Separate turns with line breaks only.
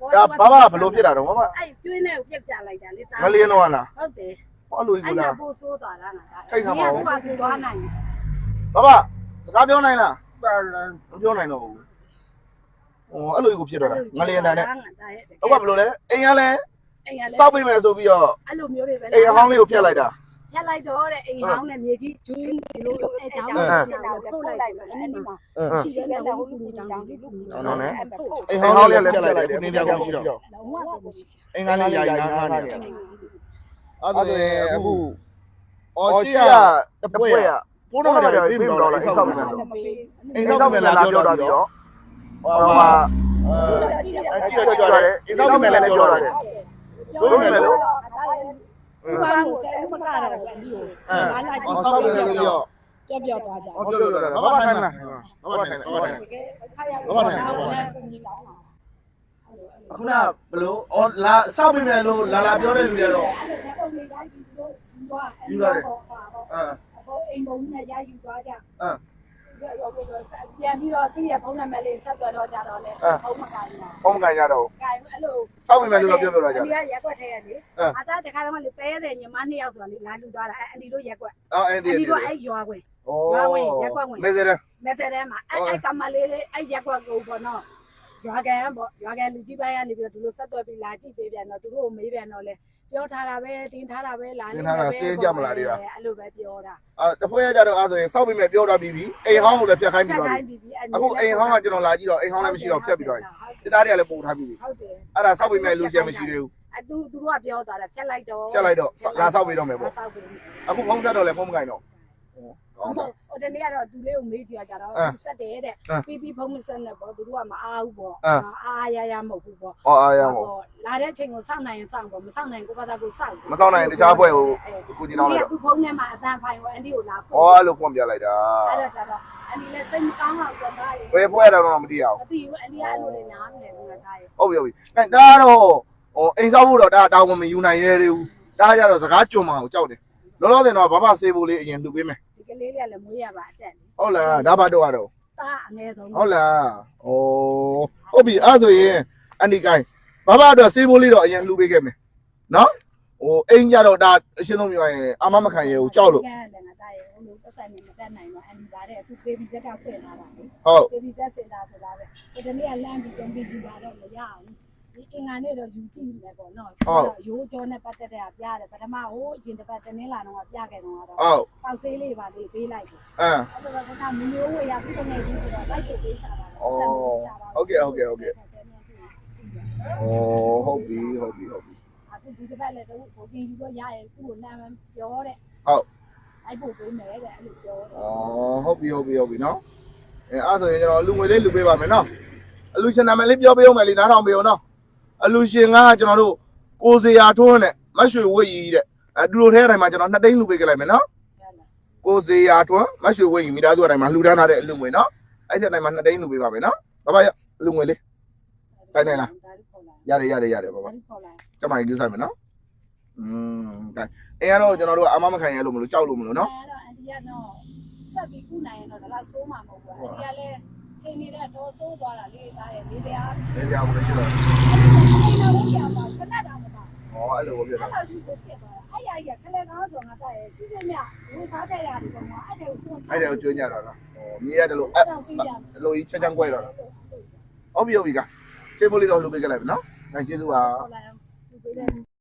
爸不罗皮了，我爸。
哎，对呢，别讲来讲，你打。
我连了完了。
好的。
我路一个了。
不说多了，
太他妈了。
多难。
爸爸，咋表来了？表来了。哦，路一个皮了，我连的呢。我不罗嘞，哎呀嘞，少背没手比哦。哎，行里有皮来的。
皮来多嘞，哎，行嘞，面积就一路哎，长了，后来那嘛，西边的路长的路。
那呢？哎，行里来皮来的，你家公司了。哎，俺哩呀，俺哩。啊对，不，我这呀，不会呀，不能讲别不着了，少不了，少不了表达的，哇，这个叫嘞，少不了表达的，不能了，少不了表。
ပြောသွားကြ
ဟုတ်တယ်ဘာမှထိုင်မလားဘာမှထိုင်ဘာမှထိုင်ခုနဘလို့အော်လာစောက်ပြီမယ်လို့လာပြောတဲ့လူတွေတော့ယူရတယ်
အိမ်ဘုံနဲ့ရယူသွားကြပြန်ပြီးတော့တည့်ရဖုန်းနံပါတ်လေးဆက်သွယ်တော့ကြတော့လေဖုန်းမကန်ဘူး
ဖုန်းမကန်ကြတော့
အဲ့လို
စောက်ပြီမယ်လို့ပြောတော့ကြ
တယ်ဒီကရက်ွက်ထဲရလေအသားတခါတော့လေပဲတဲ့ညီမ2ယောက်ဆိုတာလေလာလူသွားတာအန်ဒီတို့ရက်ွက်အန်ဒီတို့အဲ့ရွာခွင်ရွာဝင်ရက်ွက်ဝင်
မဲစဲ
မှာအဲ့ကမလေးအဲ့ရက်ွက်ကိုပေါ့နော်ရွာကန်ပေါ့ရွာကန်လူကြီးပိုင်းကနေပြီးတော့ဒီလိုဆက်သွယ်ပြီးလာကြည့်ပေးပြန်တော့သူတို့ကိုမေးပြန်တော့လေပြောထားတာပဲတင်ထားတာပဲလာနေတယ်ပဲ
စင်းကြမလားဒီက
အဲ့လိုပဲပြောတာ
တဖွဲရကြတော့အဲ့ဆိုရင်စောက်ပြီမယ်ပြောတာပြီးပြီအိမ်ဟောင်းကိုလည်းဖြတ်ခိုင်းပြီးတော့အခုအိမ်ဟောင်းကကျွန်တော်လာကြည့်တော့အိမ်ဟောင်းလည်းမရှိတော့ဖြတ်ပြီးတော့စစ်သားတွေကလည်းပို့ထားပြီးပြီ
ဟုတ်တယ်
အဲ့ဒါစောက်ပြီမယ်လူရှင်မရှိသေးဘူး
သူတို့ကပြောသွားတာဖြတ်လိုက်တော့
လာစောက်ပြီးတော့မယ်ပေါ့အခုဖုန်းဆက်တော့လည်းဖုန်းမကင်တော့
ဟိုတနေ့ကတော့သူလေးကိုမေးကြည့်ကြတော့ဆက်တယ်တဲ့ပြီးဖုန်းမဆက်နဲ့ပေါ့သူတို့ကမအားဘူးပေါ့အားရမဟုတ်ဘူးပေါ့
အားရမဟုတ်
လာတဲ့အချိန်ကိုစောင့်နိုင်ရင်စောင့်ပေါ့မစောင့်နိုင်ကိုဘာသာကိုစောင့်
မစောင့်နိုင်ရင်တခြားဘွဲကိုကိုကြည့်တော့
လေသူဖုန်းထဲမှာအတန်ဖိုင်ကိုအန်ဒီကိုလာ
ပို့အဲ့လိုဖွင့်ပြလိုက်တာ
အဲ့ဒါတော့အန်ဒီလည်းစိတ်မကောင်းအောင်ပြောတာ
ဘယ်ပွဲတော့မသိရအောင်
မသိဘူးအန်ဒီကအဲ့လိုလေနားမလဲဘူးလားဒါရေ
ဟုတ်ပြီအဲဒါကတော့အိမ်ဆောက်ဖို့တော့ဒါတောင်းဝင်မယူနိုင်ရဲသေးဘူးဒါကြတော့စကားကြုံမှာကိုကြောက်တယ်လောလောဆယ်တော့ဘာမှဆေးဖို့လေးအရင်လှူပေးမယ်
ဒီကလေးလေးကလည်းမွေးရပါအတက်
ဟုတ်လားဒါဘာတော့ကတော့
တာအငယ်ဆုံး
ဟုတ်လားဩဟုတ်ပြီအဲ့ဆိုရင်အန်ဒီကိုင်းဘာမှတော့ဆေးဖို့လေးတော့အရင်လှူပေးခဲ့မယ်နော်ဟိုအိမ်ကြတော့ဒါအရှင်းဆုံးပြောရင်အာမမခံရဘူးကြောက်လို့
ကဲလည်းငါတာရေဟိုလိုပတ်ဆိုင်နေမတက်နိုင်တော့အန်ဒီဒါတဲ့အခု baby Z ကဖွင့်လာတာလေ
ဟုတ်
baby Z စင်တာဆိုတာပဲဒီတနေ့ကလမ်းပြီးတုံးပြီးယူတာတော့မရအောင်ဒီအင်္ဂါနေ့တော့ယူကြည့်မယ်ပေါ့နော်ရိုးကြောနဲ့ပတ်သက်တဲ့ပြရတယ်ပထမဟိုအရင်တစ်ပတ်တင်းလာတော့ပြခဲ့တော့တော့ပေါက်ဆေးလေးပါလေးပေးလိုက်တယ်အဲ့တော့ကမမျိုးဝေရခုတနေ့ကြီးဆိုတော့လိုက်ပေးချတာပါဆက်ပြီးချတာ
ဟုတ်ကဲ့ဟုတ်ပြီ
အခုဒီတစ်ပတ်လည်းတော့ဘိုးကြီးကြီးတော့ရရင်သူ့ကိုနာမည်ပြောတဲ့
ဟုတ်
အဲ့ပို့ပေးမယ်တဲ့အဲ့လိုပြောတယ်
ဟုတ်ပြီနော်အဲ့ဆိုရင်ကျွန်တော်လူငွေလေးလူပေးပါမယ်နော်အလူရှင်နာမည်လေးပြောပေးအောင်မယ်လေနားထောင်ပေးအောင်နော်အလူရှင်ကကျွန်တော်တို့ကိုစရာထွန်းနဲ့မရွှေဝိတ်ကြီးတဲ့အတူတူထဲတိုင်းမှာကျွန်တော်2သိန်းလူပေးကြလိုက်မယ်နော်ကိုစရာထွန်းမရွှေဝိတ်ကြီးမိသားစုတိုင်းမှာလှူဒန်းထားတဲ့အလူငွေနော်အဲ့ဒီတိုင်းမှာ2သိန်းလူပေးပါမယ်နော်ဘာဘာလူငွေလေးတိုင်းနိုင်လားရတယ်ဘာဘာကျမကြီးဆိုင်မယ်နော်တိုင်းအဲ့ကတော့ကျွန်တော်တို့အမမခံရလို့မလို့ကြောက်လို့မလို့နော်
အဲ့တော့အန်တီကတော့ဆက်ပြီးကုနိုင်ရင်တော့ဒါတော့စိုးမှာမဟုတ်ဘူးအန်တီကလည်းချိန်နေတဲ့တော့စိုးသွားတာလေးဒါရဲ့လေးတရား
လေးတရားဘူးရှိတော့
အဲ့တော့ဆရာပါခဏတောင်မတာ
အဲ့လိုပြ
တာအဲ့လိုဒီကိုဖြစ်သွားတာအဲ့ရကြီးကခလဲကားဆိုငါတာရဲ့စီးစင်းမြဝေထားခဲ့ရတယ်ပေါ့နော်အဲ့ဒါကို
ကျွေးကြတော့မြေရတယ်လို့အဲ့လိုကြီးချက်ချမ်းကွဲတော့ဟုတ်ပြီကစေးဖို့လေးတော့လှုပ်ပေးကြလိုက်ပြီနော်ကျေးဇူးပါ